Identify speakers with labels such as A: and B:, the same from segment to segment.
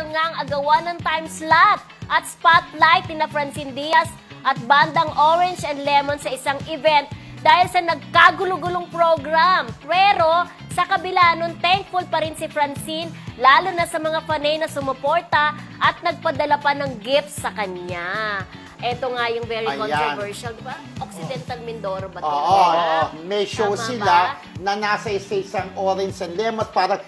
A: nga ang agawan ng time slot at spotlight ni Francine Diaz at bandang Orange and Lemon sa isang event dahil sa nagkagulo-gulong program. Pero sa kabila nun, thankful pa rin si Francine, lalo na sa mga fanay na sumuporta at nagpadala pa ng gifts sa kanya. Ito nga yung very controversial, di ba? Occidental Mindoro ba ito?
B: Oo, may show
A: Tama
B: sila
A: ba?
B: na nasa isang Orange and Lemon. Parang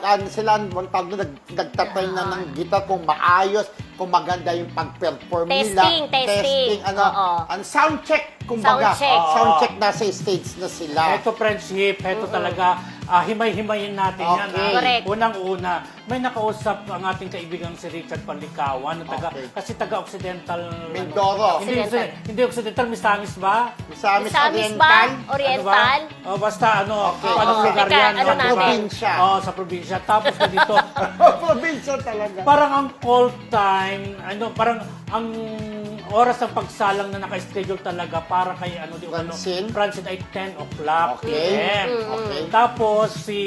B: nagtatry na ng guitar kung maayos, kung maganda yung pag-perform nila.
A: Testing.
B: Sound check, kumbaga. Sound check, nasa stage na sila.
C: Ito, friendship, ito talaga, himay-himayin natin yan.
A: Correct.
C: Unang-una, may nakausap ang ating kaibigang si Richard Panlicawan, kasi taga-Occidental.
B: Mindoro.
C: Hindi Occidental, Misamis ba?
B: Misamis
A: Misamis ba? Oriental?
C: Ano ba? Basta anong lugar
A: Teka,
C: yan?
A: ano natin?
B: Probinsya.
C: Sa probinsya. Tapos dito,
B: Probinsya talaga.
C: parang ang call time, parang ang oras ng pagsalang na naka-schedule talaga para kay
B: Francine?
C: Francine ay 10 o'clock.
B: Okay.
C: PM.
B: Okay.
C: Tapos si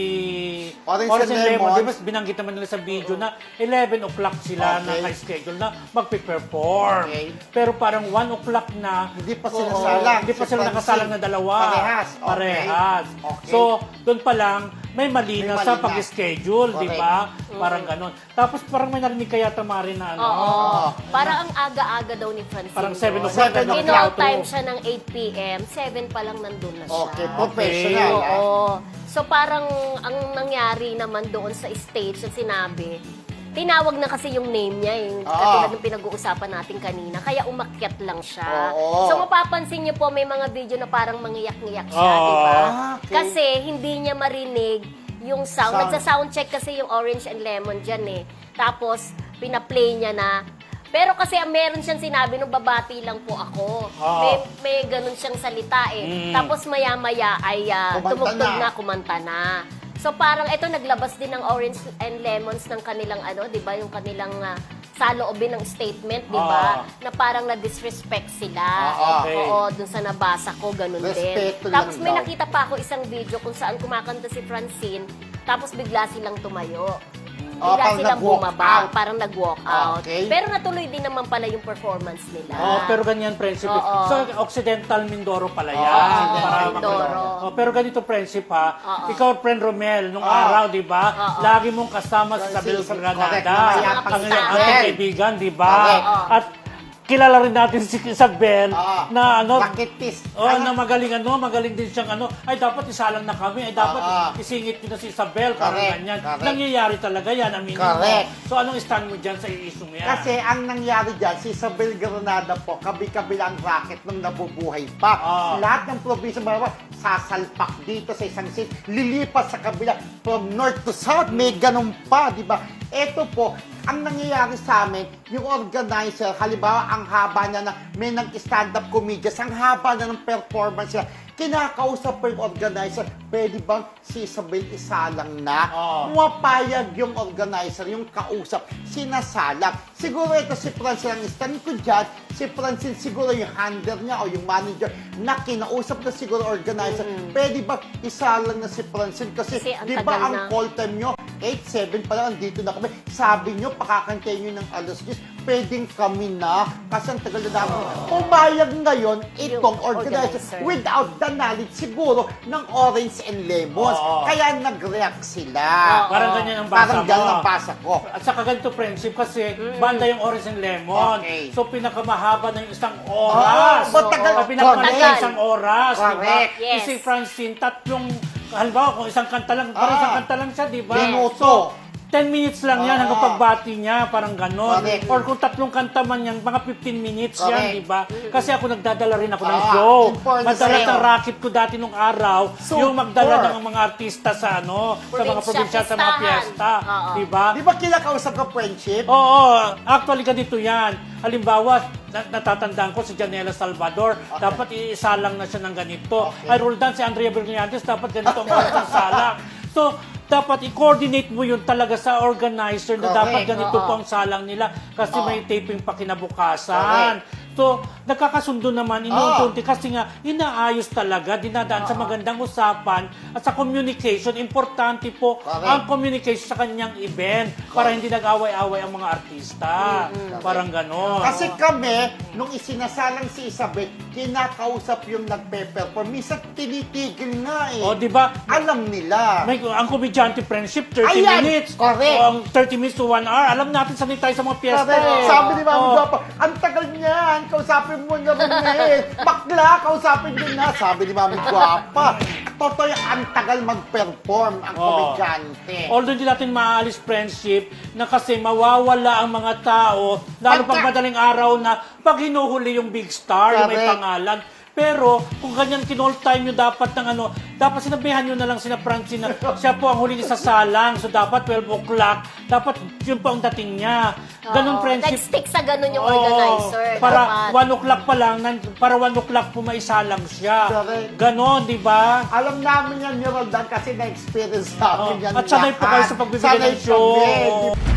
B: Orange and Lemon,
C: di ba binanggit naman nila sa video na 11 o'clock sila na naka-schedule na magpe-perform.
B: Okay.
C: Pero parang 1 o'clock na
B: Hindi pa sila salang.
C: Hindi pa
B: Si
C: sila
B: Francine.
C: nakasalang na dalawa.
B: Parehas. Okay.
C: Parehas.
B: Okay.
C: So, doon pa lang may mali na sa
B: malina.
C: pag-schedule, di ba? Parang ganon. Tapos parang may narinig kaya tamari na
A: Parang ang aga-aga daw ni Francine.
C: Parang 7
A: doon.
C: o'clock.
A: Kinall time siya ng 8 p.m. 7 pa lang nandun na siya.
B: Okay, professional.
A: Oo. So parang ang nangyari naman doon sa stage na sinabi, tinawag na kasi yung name niya, yung katulad ng pinag-uusapan natin kanina. Kaya umakyat lang siya.
B: Oo.
A: So mapapansin niyo po, may mga video na parang mangiyak-ngiyak siya, di ba?
B: Okay.
A: Kasi hindi niya marinig yung sound. Nagsa-sound check kasi yung Orange and Lemon dyan eh. Tapos, pina-play niya na. Pero kasi meron siyang sinabi nung babati lang po ako. May ganun siyang salita eh. Tapos maya-maya ay tumugtog na, kumanta na. So parang ito naglabas din ng Orange and Lemons ng kanilang 'di ba, yung kanilang saloobin ng statement, 'di ba? Na parang na-disrespect sila.
C: Okay.
A: Oo, dun sa nabasa ko ganun
B: Respeto
A: din.
B: lang
A: Tapos may
B: daw.
A: nakita pa ako isang video kung saan kumakanta si Francine, tapos bigla silang tumayo. Bigla
B: parang
A: silang
B: nag-walk
A: bumaba,
B: out.
A: parang nag-walk out.
B: Okay.
A: Pero natuloy din naman pala yung performance nila.
C: Pero ganyan, friendship.
A: Oo.
C: So, Occidental Mindoro pala yan.
B: Occidental
A: Mindoro.
C: Pero ganito, friendship ha. Ikaw, friend Romel, nung araw, di ba? Lagi mong kasama si Isabel
B: Correct.
C: Granada.
B: Namayapang
C: Ang
B: Isabel.
C: ating kaibigan, di ba?
B: Correct.
C: At kilala rin natin si Isabel na
B: Rakitis.
C: na magaling din siyang ay dapat isalang na kami, ay dapat isingit nyo na si Isabel, parang
B: Correct.
C: ganyan.
B: Correct.
C: Nangyayari talaga yan, aminin mo.
B: Correct.
C: So anong stand mo dyan sa isong yan?
B: Kasi ang nangyari dyan, si Isabel Granada po, kabi-kabilang racket nung nabubuhay pa. Lahat ng probinsya, sasalpak dito sa isang seat, lilipat sa kabila, from north to south, may ganun pa, di ba? Ito po, ang nangyayari sa amin, yung organizer, halimbawa, ang haba niya na may nag-stand-up comedians, ang haba na ng performance niya, kinakausap po yung organizer, pwede bang si Isabel isalang na? Pumapayag yung organizer, yung kausap, sinasalang. Siguro ito si Francine, ang stand ko dyan, si Francine siguro yung handler niya o yung manager na kinausap na siguro organizer, pwede ba isalang na si Francine? Kasi di ba ang call time nyo, 8-7 pa lang, andito na kami. Sabi nyo, pakakantayin nyo ng alas 10, pwedeng kami na. Kasi ang tagal na namin. Pumayag ngayon itong organizer without the knowledge siguro ng Orange and Lemons. Kaya nag-react sila.
C: Parang ganyan ang basa
B: Parang ganyan ang basa ko.
C: At saka ganito, friendship, kasi banda yung Orange and Lemon.
B: Okay.
C: So, pinakamahaba na yung isang oras.
B: matagal.
C: Pinakamahaba
B: Correct.
C: yung isang oras.
B: Correct.
C: Diba?
A: Yes.
C: Si Francine, halimbawa, kung isang kanta lang, parang isang kanta lang siya, di ba?
B: Minuto.
C: 10 minutes lang yan hanggang pagbati niya, parang ganon.
B: Correct.
C: Or kung 3 kanta man yan, mga 15 minutes
B: Correct.
C: yan, di ba? Kasi ako nagdadala rin ako ng show.
B: important
C: Madalas
B: sa'yo.
C: ang racket ko dati nung araw,
B: Super.
C: yung magdala ng mga artista sa sa mga probinsya, sa mga piyesta. Di ba?
B: Di ba kinakausap ka friendship?
C: Oo, actually ganito yan. Halimbawa, natatandaan ko si Janela Salvador, dapat iisalang na siya ng ganito. Ay, Roldan, si Andrea Brillantes, dapat ganito ang oras ng salang. So, dapat i-coordinate mo yun talaga sa organizer na dapat ganito po ang salang nila kasi may taping pa kinabukasan. So, nagkakasundo naman, inuunti kasi nga, inaayos talaga, dinadaan sa magandang usapan at sa communication. Importante po ang communication sa kanyang event para hindi nag-away-away ang mga artista. Parang ganon.
B: Kasi kami, nung isinasalang si Isabel, kinakausap yung nagpe-perform. Minsan tinitigil nga eh.
C: O, di ba?
B: Alam nila.
C: Ang komedyante friendship, 30
B: Ayan!
C: minutes.
B: Correct.
C: O, ang 30 minutes to 1 hour. Alam natin sanay tayo sa mga piyesta.
B: Correct. Sabi ni Mami
C: Oo.
B: Guapa, ang tagal niyan, kausapin mo na rin eh. Bakla, kausapin din na. Sabi ni Mami Guapa. Totoo yung ang tagal mag-perform ang komedyante.
C: Although hindi natin maaalis friendship na kasi mawawala ang mga tao, lalo pag madaling araw na pag hinuhuli yung big star, yung may
B: Correct.
C: pangalan. Pero kung ganyan kinall time nyo dapat ng ano, dapat sinabihan nyo na lang sina Francine na siya po ang huling isasalang. So dapat 12 o'clock, dapat yun po ang dating niya. Ganun
A: Oo,
C: friendship.
A: nag-stick sa ganun yung
C: Oo,
A: organizer.
C: para
A: dapat.
C: 1 o'clock pa lang, para 1 o'clock po maisalang siya.
B: Correct.
C: Ganon, di ba?
B: Alam namin yan, Roldan, kasi na-experience namin yan
C: At sanay po kayo
B: lahat.
C: sa pagbibigay ng
B: Sanay
C: show.
B: kami.